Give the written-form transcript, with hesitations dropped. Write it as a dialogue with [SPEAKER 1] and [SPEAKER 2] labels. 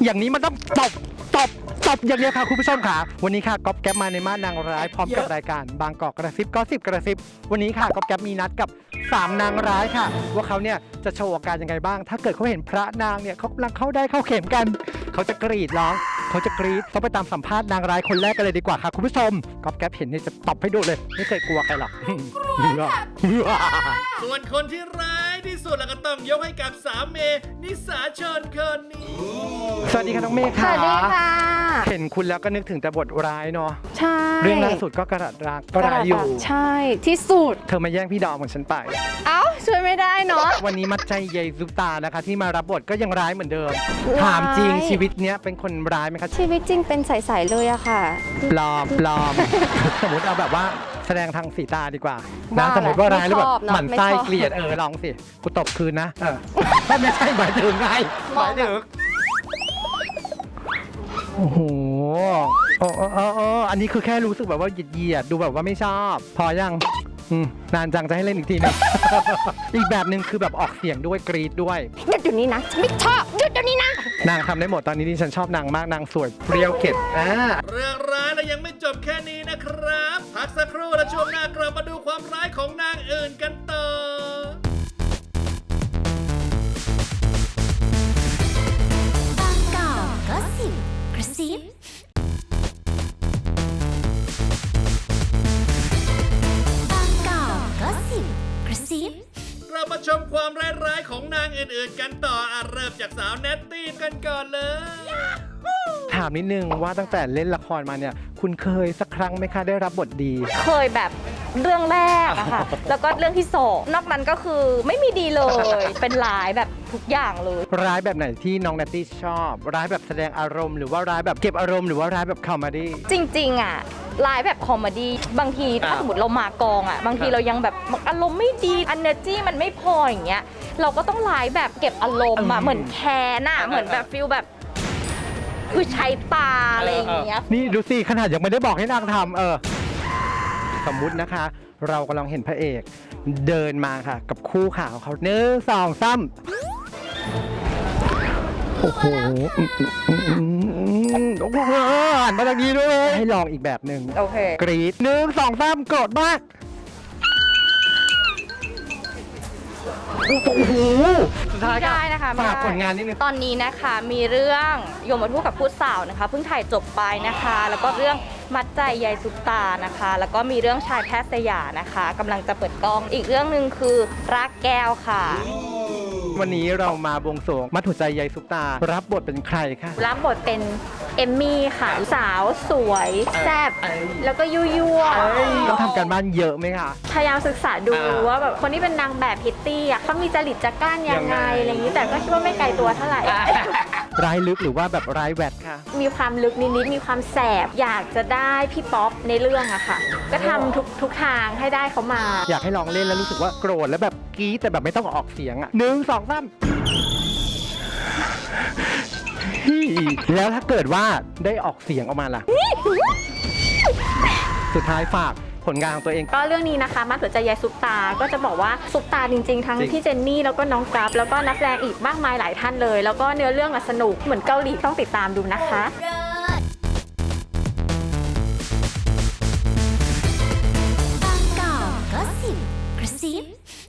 [SPEAKER 1] อย่างนี้มันต้องตบอย่างเดียวค่ะคุณผู้ชมค่ะวันนี้ค่ะก๊อฟแก๊ปมาในม่านนางร้ายพร้อมกับรายการบางกอกกระซิบก็10กระซิบวันนี้ค่ะก๊อฟแก๊ปมีนัดกับ3นางร้ายค่ะว่าเขาเนี่ยจะโชว์อาการยังไงบ้างถ้าเกิดเขาเห็นพระนางเนี่ยเขากำลังเข้าได้เข้าเข็มกันเขาจะกรีดร้องเขาจะกรีดต้องไปตามสัมภาษณ์นางร้ายคนแรกกันเลยดีกว่าค่ะคุณผู้ชมก๊อฟแก๊ปเห็นเนี่ยจะตบให้ดูเลยไม่เคยกลัวใครหรอก
[SPEAKER 2] ส่วนคนที่ร้ายที่สุดแล้วก็ต้องยกให้กับสาวเมย์นิสาชนคนนี้
[SPEAKER 1] สวัสดีค่ะน้องเมย์
[SPEAKER 3] ส
[SPEAKER 1] ค่ะ
[SPEAKER 3] วัสดีค่ะ
[SPEAKER 1] เห็นคุณแล้วก็นึกถึงแต่บทร้ายเนาะ
[SPEAKER 3] ใช่
[SPEAKER 1] เรื่องล่าสุดก็กระดัดรักก็ร้ายอยู่
[SPEAKER 3] ใช่ที่สุด
[SPEAKER 1] เธอมาแย่งพี่ดอมของฉันไป
[SPEAKER 3] เอ้าช่วยไม่ได้เนาะ
[SPEAKER 1] วันนี้มัดใจเยซุปตานะคะ ที่มารับบทก็ยังร้ายเหมือนเดิม
[SPEAKER 3] ร้าย
[SPEAKER 1] ถามจริงชีวิตเนี้ยเป็นคนร้ายไหมคะ
[SPEAKER 3] ชีวิตจริงเป็นใสๆเลยอะค่ะ
[SPEAKER 1] ปลอม สมมติเอาแบบว่าแสดงทางสีตาดีกว่านะ
[SPEAKER 3] ว่า
[SPEAKER 1] สมมติว่าร้ายแล้วแบบ
[SPEAKER 3] ไม่ชอบเนอะ
[SPEAKER 1] หมั่นไส้
[SPEAKER 3] ไม่ชอบ
[SPEAKER 1] เกลียดลองสิกูตบคืนนะไม่ใช่หมายถึงไงหมายถึงโอ้โหอันนี้คือแค่รู้สึกแบบว่าเหยียดดูแบบว่าไม่ชอบ พอยังนานจังจะให้เล่นอีกทีนึง อีกแบบหนึ่งคือแบบออกเสียงด้วยกรีดด้วย
[SPEAKER 3] หยุดเดี๋ยวนี้นะฉันไม่ชอบหยุดเดี๋ยวนี้นะ
[SPEAKER 1] นางทำได้หมดตอนนี้ที่ฉันชอบนางมากนางสวยเปรี้ยวเข็ด
[SPEAKER 2] เรื่องร้ายเรายังไม่จบแค่นี้นะครับ พักสักครู่และช่วงหน้ากลับมาดูความร้ายของนางอื่นกันต่อ
[SPEAKER 4] บางกอกก็สิบกระซิบางกอกก็สิบกระซิบ
[SPEAKER 2] เรามาชมความร้ายๆของนางอื่นๆกันต่อเริ่มจากสาวเนตตี้กันก่อนเลย
[SPEAKER 1] ถามนิดนึงว่าตั้งแต่เล่นละครมาเนี่ย คุณเคยสักครั้งไหมคะได้รับบทดี
[SPEAKER 3] เคยแบบเรื่องแรกอะค่ะ แล้วก็เรื่องที่สองนอกนั้นก็คือไม่มีดีเลย เป็นหลายแบบทุกอย่างเลย
[SPEAKER 1] ร้ายแบบไหนที่น้องนัตตี้ชอบ ร้ายแบบแสดงอารมณ์หรือว่าร้ายแบบเก็บอารมณ์หรือว่าร้ายแบบคอมเมดี้
[SPEAKER 3] จริงๆอะลายแบบคอมเมดี้บางทีถ้าสมมติเรามากองอะบางทีเรายังแบบอารมณ์ไม่ดี energy มันไม่พออย่างเงี้ยเราก็ต้องลายแบบเก็บอารมณ์อะเหมือนแคนอะเหมือนแบบฟิลแบบคือใช้ตาอะไรอย่างเงี้ย
[SPEAKER 1] นี่ดูสิขนาดยังไม่ได้บอกให้นางทำสมมุตินะคะ เรากำลังเห็นพระเอกเดินมาค่ะกับคู่ขาของเขา1 2 3โอ้โหโอ้โหหันมาทางนี้ด้วยให้ลองอีกแบบหนึ่ง
[SPEAKER 3] โอเค
[SPEAKER 1] กรีด1 2 3โกรธมากโอ้โหสุดท้าย
[SPEAKER 3] ไม่ได้นะคะ
[SPEAKER 1] ฝาก
[SPEAKER 3] ไม่ได้
[SPEAKER 1] ผลงานนิดนึง
[SPEAKER 3] ตอนนี้นะคะมีเรื่องโยมทูตกับพูดสาวนะคะเพิ่งถ่ายจบไปนะคะ แล้วก็เรื่องมัดใจยายซุปตานะคะ แล้วก็มีเรื่องชายแพทย์สยามนะคะกำลังจะเปิดกล้องอีกเรื่องหนึ่งคือรักแก้วค่ะ
[SPEAKER 1] วันนี้เรามาบวงสรวงมัดหัวใจยายซุปตา รับบทเป็นใครคะ
[SPEAKER 3] รับบทเป็นเอมมี่ค่ะสาวสวยแซ่บแล้วก็ยั่ว
[SPEAKER 1] ต้องทำการบ้านเยอะไหมคะ
[SPEAKER 3] พยายามศึกษาดูว่าแบบคนที่เป็นนางแบบพิตตี้อ่ะเขามีจริตจักร้านยังไงอะไรอย่างนี้แต่ก็คิดว่าไม่ไกลตัวเท่าไหร่
[SPEAKER 1] ร้ายลึกหรือว่าแบบร้ายแวดค่ะ
[SPEAKER 3] มีความลึกนิดๆมีความแสบอยากจะได้พี่ป๊อปในเรื่องอะค่ะ ก็ทำทุกทางให้ได้เขามา
[SPEAKER 1] อยากให้ลองเล่นแล้วรู้สึกว่าโกรธแล้วแบบกรี๊ดแต่แบบไม่ต้องออกเสียงอ่ะ1 2 3แล้วถ้าเกิดว่าได้ออกเสียงออกมาล่ะ สุดท้ายฝากผลงานของตัวเอง
[SPEAKER 3] ก็เรื่องนี้นะคะมัดหัวใจยายซุปตา ก็จะบอกว่าซุปตาจริงๆ ทั้ง
[SPEAKER 1] จริง
[SPEAKER 3] พี่เจนนี่แล้วก็น้องกราฟแล้วก็นักแสดงอีกมากมายหลายท่านเลย แล้วก็เนื้อเรื่องอะสนุกเหมือนเกาหลีต้องติดตามดูนะคะ
[SPEAKER 4] บางกอกก็สิบกระซิบ